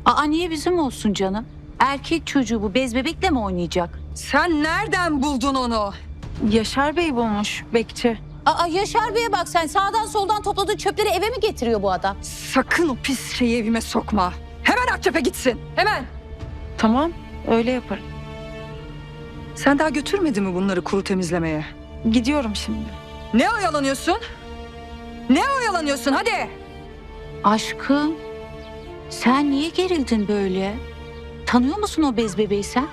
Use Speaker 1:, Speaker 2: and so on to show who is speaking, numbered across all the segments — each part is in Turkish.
Speaker 1: Aa, niye bizim olsun canım? Erkek çocuğu bu, bez bebekle mi oynayacak?
Speaker 2: Sen nereden buldun onu?
Speaker 3: Yaşar Bey bulmuş, bekçi.
Speaker 1: Aa, Yaşar Bey'e bak sen, sağdan soldan topladığı çöpleri eve mi getiriyor bu adam?
Speaker 2: Sakın o pis şeyi evime sokma. Hemen Akçep'e gitsin. Hemen.
Speaker 3: Tamam, öyle yaparım.
Speaker 2: Sen daha götürmedin mi bunları kuru temizlemeye?
Speaker 3: Gidiyorum şimdi.
Speaker 2: Ne oyalanıyorsun? Ne oyalanıyorsun hadi?
Speaker 1: Aşkım, sen niye gerildin böyle? Tanıyor musun o bez bebeği sen?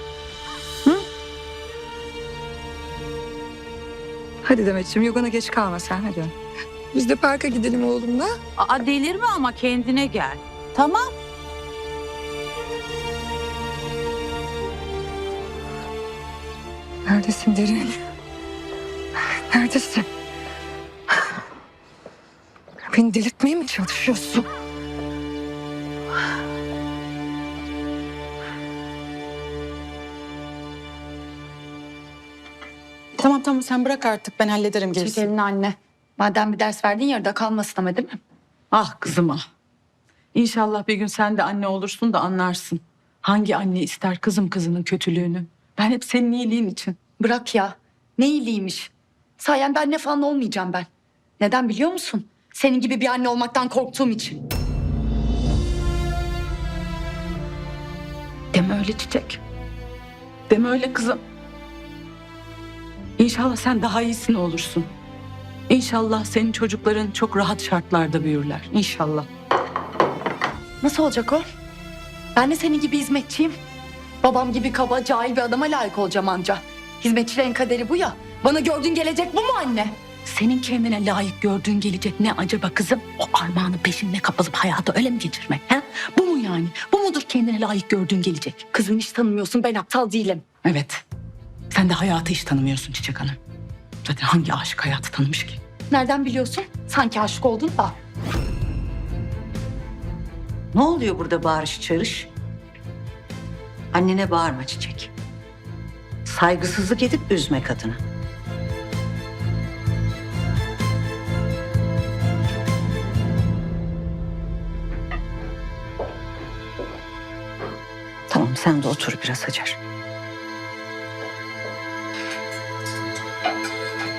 Speaker 2: Hadi Demetciğim yogana geç kalma sen hadi. Biz de parka gidelim oğlumla.
Speaker 1: Aa, delirme ama, kendine gel. Tamam.
Speaker 2: Neredesin Derin? Neredesin? Beni delirtmeye mi çalışıyorsun?
Speaker 4: Tamam sen bırak artık, ben hallederim
Speaker 5: Çek
Speaker 4: gerisini.
Speaker 5: elini anne. Madem bir ders verdin yarıda kalmasın ama değil mi?
Speaker 4: Ah kızım ah. İnşallah bir gün sen de anne olursun da anlarsın. Hangi anne ister kızım kızının kötülüğünü? Ben hep senin iyiliğin için.
Speaker 5: Bırak ya. Ne iyiliğiymiş. Sayende anne falan olmayacağım ben. Neden biliyor musun? Senin gibi bir anne olmaktan korktuğum için.
Speaker 4: Deme öyle Çiçek. Deme öyle kızım. İnşallah sen daha iyisini olursun. İnşallah senin çocukların çok rahat şartlarda büyürler. İnşallah.
Speaker 5: Nasıl olacak o? Ben de senin gibi hizmetçiyim. Babam gibi kaba, cahil bir adama layık olacağım anca. Hizmetçilerin kaderi bu ya. Bana gördüğün gelecek bu mu anne?
Speaker 4: Senin kendine layık gördüğün gelecek ne acaba kızım? O armağanın peşinde kapılıp hayatı öyle mi geçirmek? He? Bu mu yani? Bu mudur kendine layık gördüğün gelecek?
Speaker 5: Kızım hiç tanımıyorsun, ben aptal değilim.
Speaker 4: Evet. Sen de hayatı hiç tanımıyorsun Çiçek Hanım. Zaten hangi aşık hayatı tanımış ki?
Speaker 5: Nereden biliyorsun? Sanki aşık oldun da.
Speaker 6: Ne oluyor burada bağırış çağırış? Annene bağırma Çiçek. Saygısızlık edip üzme kadını. Tamam sen de otur biraz Hacer.